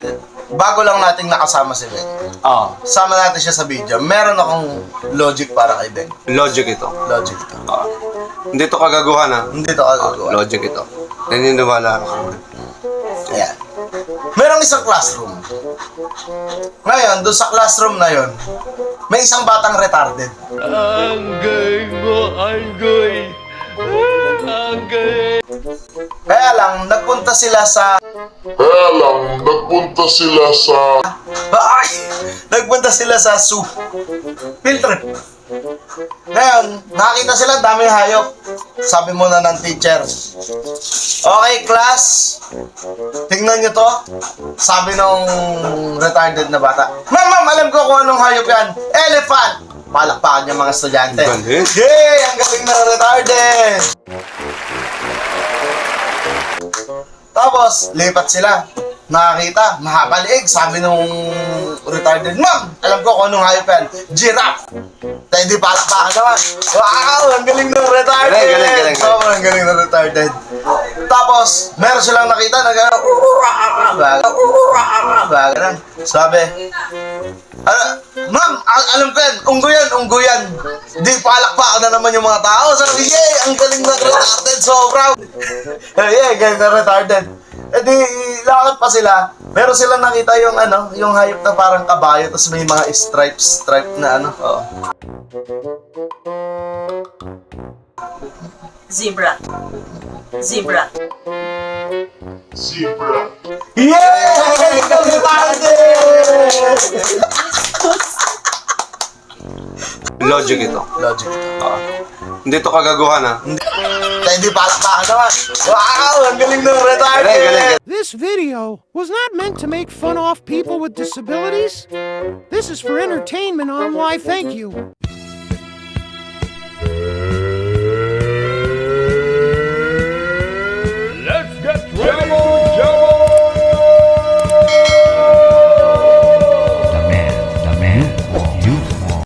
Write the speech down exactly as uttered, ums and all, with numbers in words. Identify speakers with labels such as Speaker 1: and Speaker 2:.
Speaker 1: Bago lang nating nakasama si Ben.
Speaker 2: Oo.
Speaker 1: Sama natin siya sa video. Meron akong logic para kay Ben.
Speaker 2: Logic ito.
Speaker 1: Logic ito.
Speaker 2: Oo. Hindi to kagaguhan ha.
Speaker 1: Hindi to kagagawa.
Speaker 2: Logic ito. Naniniwala ako.
Speaker 1: Ayan. Merong isang classroom. Ngayon, doon sa classroom na yon, may isang batang retarded.
Speaker 3: Angay mo, angay. Angay.
Speaker 1: Kaya lang, nagpunta sila sa...
Speaker 4: Kaya lang, nagpunta sila sa...
Speaker 1: Ay! Nagpunta sila sa zoo. Field trip. Ngayon, nakita sila, daming hayop. Sabi muna ng teacher, okay, class, tingnan nyo to. Sabi nung retarded na bata, Ma'am, ma'am, alam ko kung anong hayop yan. Elephant! Palakpakan yung mga estudyante.
Speaker 2: Galing.
Speaker 1: Yay! Ang galing na retarded! Tapos, lipat sila. Nakakita, mahaba liig. Sabi nung retarded, Ma'am, alam ko kung anong hayop yan. Giraffe! Tayo di palakpakan naman. Wow! Ang galing ng retarded!
Speaker 2: Galing, galing, galing.
Speaker 1: Sobrang galing ng retarded. Tapos, meron silang nakita na gano'n. Baga Sabi, ano, Ma'am, al- alam ko yan, unggo yan, unggo yan. Di palakpakan na naman yung mga tao. Sabi, yay! Ang galing ng retarded, so proud! Yeah, galing ng retarded. Eh di, lakad pa sila. Meron silang nakita yung ano, yung hayop na parang kabayo, tapos may mga stripes, stripe na ano. Oh.
Speaker 5: Zebra. Zebra.
Speaker 4: zebra.
Speaker 1: Yeah! Galing ng retarded!
Speaker 2: Logic ito.
Speaker 1: Logic ito.
Speaker 2: Oo. Hindi to kagaguhan ha.
Speaker 1: Tayo di palakpakan naman. Wow! Ang galing ng retarded!
Speaker 2: Galing, galing, galing.
Speaker 6: This video was not meant to make fun of people with disabilities. This is for entertainment on Why Thank You.